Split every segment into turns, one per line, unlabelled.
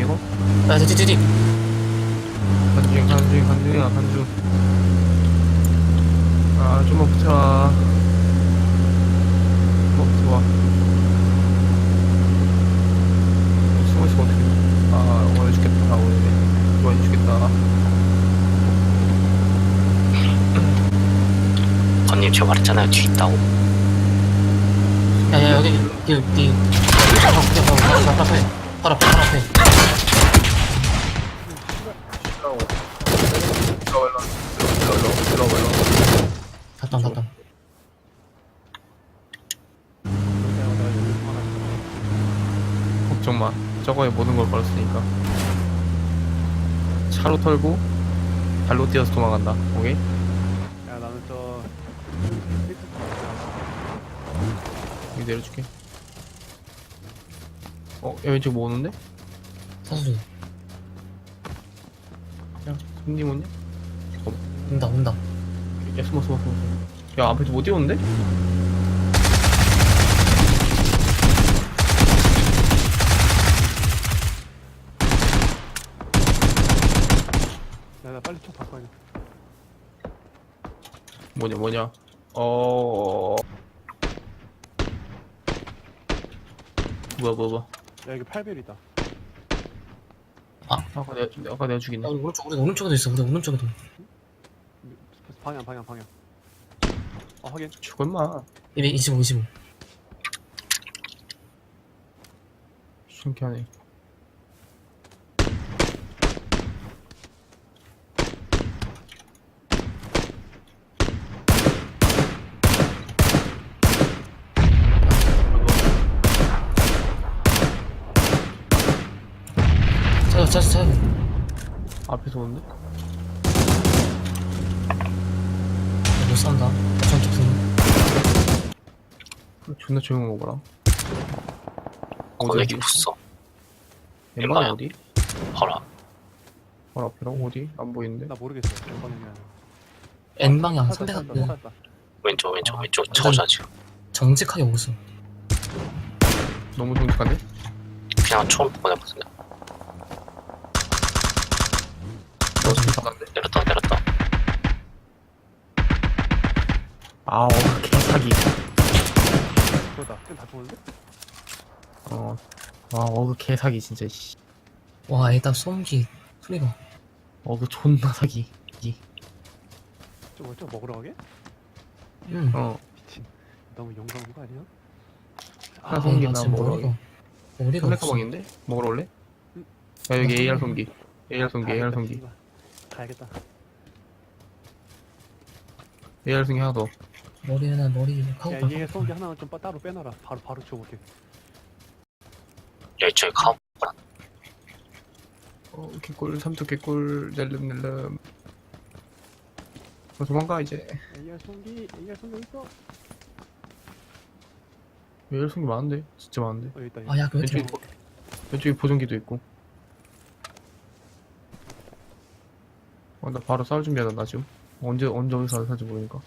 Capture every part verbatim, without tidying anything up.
이거?
아, 뒤, 뒤, 뒤.
간중 간중 간중이야 간중. 아 좀만 붙여라. 어 좋아. 숨어 있으면 어떡해. 아 오늘 죽겠다. 아 오늘 좋아 죽겠다.
언님 제가 말했잖아요 뒤 있다고.
야, 야, 여기, 여기, 여기. 바로, 바로, 바로, 바로 앞에. 바로 앞에, 바로 앞에.
들어와 들어와 들어와 들어와.
닫담, 닫담.
걱정 마. 저거에 모든 걸 걸었으니까. 차로 털고 발로 뛰어서 도망간다. 오케이?
야 나는 저
여기 내려줄게. 어, 야, 왼쪽 뭐 오는데?
사수리.
야, 손님 오냐?
온다, 온다.
야, 숨어, 숨어, 숨어. 야, 앞에서 뭐 뛰어오는데?
야, 나 빨리 총 바꿔야 돼.
뭐냐, 뭐냐. 어. 뭐야, 뭐야, 뭐야.
야 여기 팔 벨이다.
아까 내가, 아까 내가 죽이네.
야, 우리 오른쪽, 우리 오른쪽에도 있어, 우리 오른쪽에도.
방향 방향 방향. 어 확인.
죽어, 임마.
이백이십오, 이십오.
신기하네.
찾아, 찾아, 찾아.
앞에서 오는데?
못 산다. 전투 중.
존나 조용한 거 봐라.
거기 이렇게 붙어.
엠바는
엠바야.
어디?
봐라.
바로 앞이라고? 어디? 안 보이는데?
나 모르겠어. 몇 번이냐.
N방향
찾았다,
삼백
찾았다,
그
찾았다.
왼쪽 왼쪽
아,
왼쪽
완전-
차오자 지금.
정직하게 오고 있어.
너무 정직한데?
그냥 처음 보내거든요.
너 정직한데?
내렸다 내렸다.
아, 어, 개사기.
그거다. 다 좋은데?
어. 아, 어그 개사기, 진짜, 씨.
와, 일단 소음기 소리가.
어그 존나 사기. 이.
저거 저 먹으러 가게?
응.
어.
미친. 너무 용감한 거 아니야?
하나
아,
소음기
나
나
지금
먹으러
머리가, 머리가
삼백
없어.
가방인데? 먹으러 올래?
응.
야, 여기
나
에이알
소음기.
성기. 에이알 성기, 에이알 성기.
씨발. 가야겠다.
에이알 성기 하나 더.
머리 하나, 머리 하고
야 얘 성기 하나만 좀 빠- 따로 빼놔라. 바로 바로 지워볼게.
야 이쪽에 가.
어, 개꿀, 삼뚝 개꿀, 낼름낼름. 어, 도망가, 이제.
에이알 성기, 에이알 성기 어디 있어? 어
에이알 성기 많은데? 진짜 많은데?
여기 있다. 여기.
아, 야, 그
왼쪽에,
왼쪽.
보- 왼쪽에 보정기도 있고. 어, 나 바로 싸울 준비하다, 나 지금. 언제, 언제 어디서 살지 모르니까.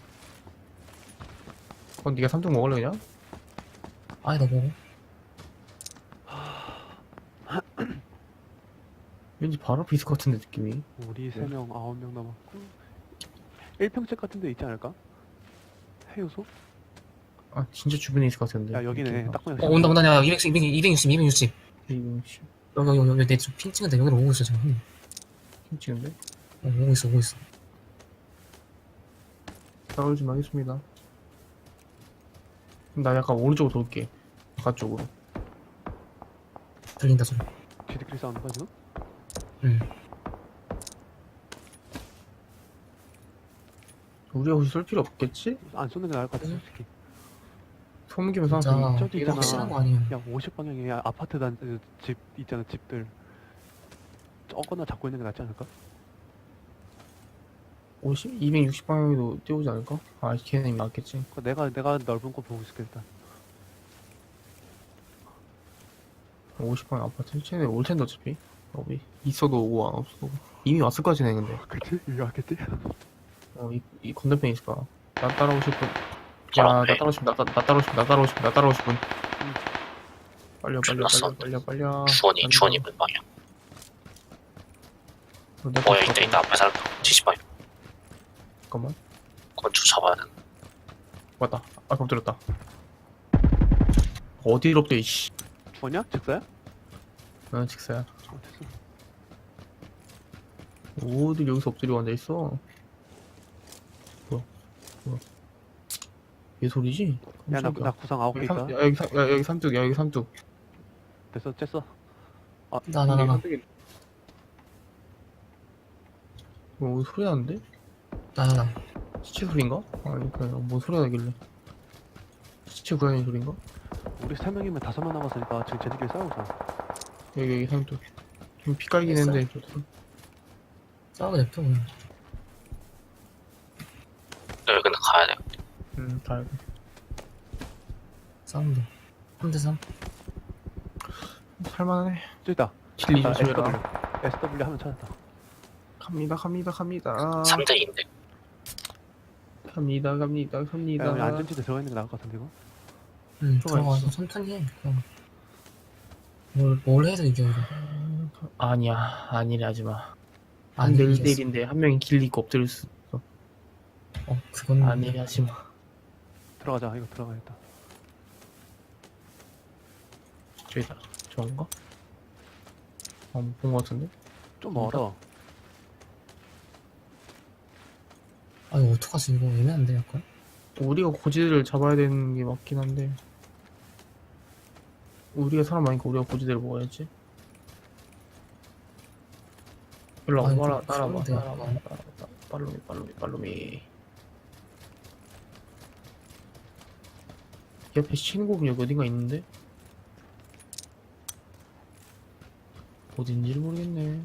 어, 니가 삼뚝 먹을래, 그냥?
아이, 너 먹어.
왠지 바로 앞에 있을 것 같은데, 느낌이.
우리
네.
세 명, 아홉 명 남았고. 일 평책 같은 데 있지 않을까? 해요소?
아, 진짜 주변에 있을 것 같은데.
야 여기네.
느낌이.
딱 보면.
어, 온다, 온다, 야, 이백육, 이백, 이백육십, 이백육십.
이백육십.
여기, 여기, 여기, 내 지금 핀 찍은데 여기로 오고 있어, 지금. 응.
힘 찍은데?
어, 오고 있어, 오고 있어.
싸울 좀 하겠습니다. 그럼 나 약간 오른쪽으로 돌게. 바깥쪽으로.
들린다, 소리.
지들끼리 싸우는 거야 지금?
응.
우리가 혹시 쏠 필요 없겠지?
안 쏘는 게 나을 것 같아
응.
솔직히.
소음기면
진짜,
사람
저기
이거
있잖아.
확실한 거 아니야.
야 오십 방향에 아파트 단 집 있잖아 집들. 저거나 잡고 있는 게 낫지 않을까?
오십? 이백육십 방향에도 뛰어오지 않을까? 아, 걔는 이미 맞겠지.
그거 내가 내가 넓은 거 보고 있을게 일단.
오십 방향 아파트? 쟤네 올 텐데 어차피. 어디? 있어도 오고 안 없어도 오고. 이미 왔을 거지, 쟤네 근데.
그치? 여기 왔겠지?
어, 이, 이 건너편에 있을 거야. 나 따라오실 분.
바로
야, 나
앞에.
따라오실 분, 나, 따- 나 따라오실 분, 나 따라오실 분, 나 따라오실 분. 빨려, 빨려,
끝났어.
빨려, 빨려, 빨려.
주원이
빨리
주원이
가.
몇 방향. 어, 여기 있다, 있다. 앞에 사람. 칠십 방.
잠깐만.
건축 잡아야 돼.
맞다. 아, 깜짝이야. 어디로 엎대, 이씨.
죽었냐? 직사야?
난 직사야.
어, 됐어.
어딜 여기서 엎드려 앉아있어. 뭐야, 뭐야. 얘 소리지?
야, 나,
깜짝이야.
나 구상 아홉 개
여기,
있다.
삼, 야, 여기, 삼, 야, 여기 삼뚝, 야, 여기 삼뚝.
됐어, 쬐어. 아,
나, 나, 나, 나.
삼뚝이- 어, 소리 나는데?
나, 나, 나.
시체 소리인가? 아니, 그냥 뭔 소리가 나길래. 시체 고양이 소리인가?
우리 세 명이면 다섯 명 남았으니까 지금 쟤네끼리 싸우자.
여기, 여기 삼뚝. 좀 피깔긴
됐어?
했는데, 좀.
싸우고 냅둬, 그냥.
여기 근데 가야 돼.
음, 다 알고.
싸우면 돼. 삼 대 삼.
살만해.
저기 있다.
킬리
아,
조심해라.
에스더블유. 에스더블유 하면 찾았다.
갑니다, 갑니다, 갑니다.
삼 대 이인데.
갑니다, 갑니다,
야,
갑니다.
여기 안전지대 들어가 있는 게 나을 것 같은데, 이거?
응,
들어가
들어가서
있어.
천천히 해. 그냥. 뭘, 뭘 해도 이겨, 이거.
아니야, 아니래, 하지 마. 한
아니,
대 일
이겼어.
대 일인데 한 명이 길 잃고 엎드릴 수 있어.
어, 그건.
아니래, 하지 마.
들어가자, 이거 들어가야겠다.
저기다. 저건가? 어, 본 거 같은데?
좀 멀어.
아, 이거 어떡하지, 이거 애매한데, 약간?
우리가 고지대를 잡아야 되는 게 맞긴 한데. 우리가 사람 많으니까 우리가 고지대를 먹어야지. 일로
아니,
와봐,
좀
따라와,
그런데
따라와,
약간.
따라와. 빨로미, 빨로미, 빨로미. 옆에 신고금 여기 어딘가 있는데? 어딘지를 모르겠네.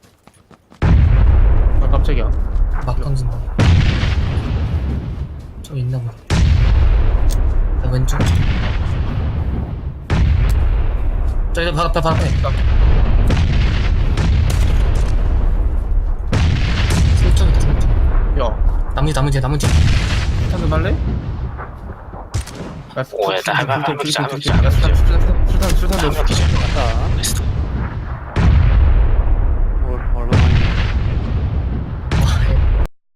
아, 깜짝이야.
막 던진다. 좀 있나 보다. 야, 왼쪽. 저기, 바로 앞에, 바로 앞에. 삼 있다, 삼 점.
야,
나머지, 나머지, 나머지.
한잔 할래? 야,
오, 야, 나 할- 할- 할- 할- 할- 할- 할-
술탄, 술탄, 술탄, 술탄,
한명 기절.
갔다.
에스더.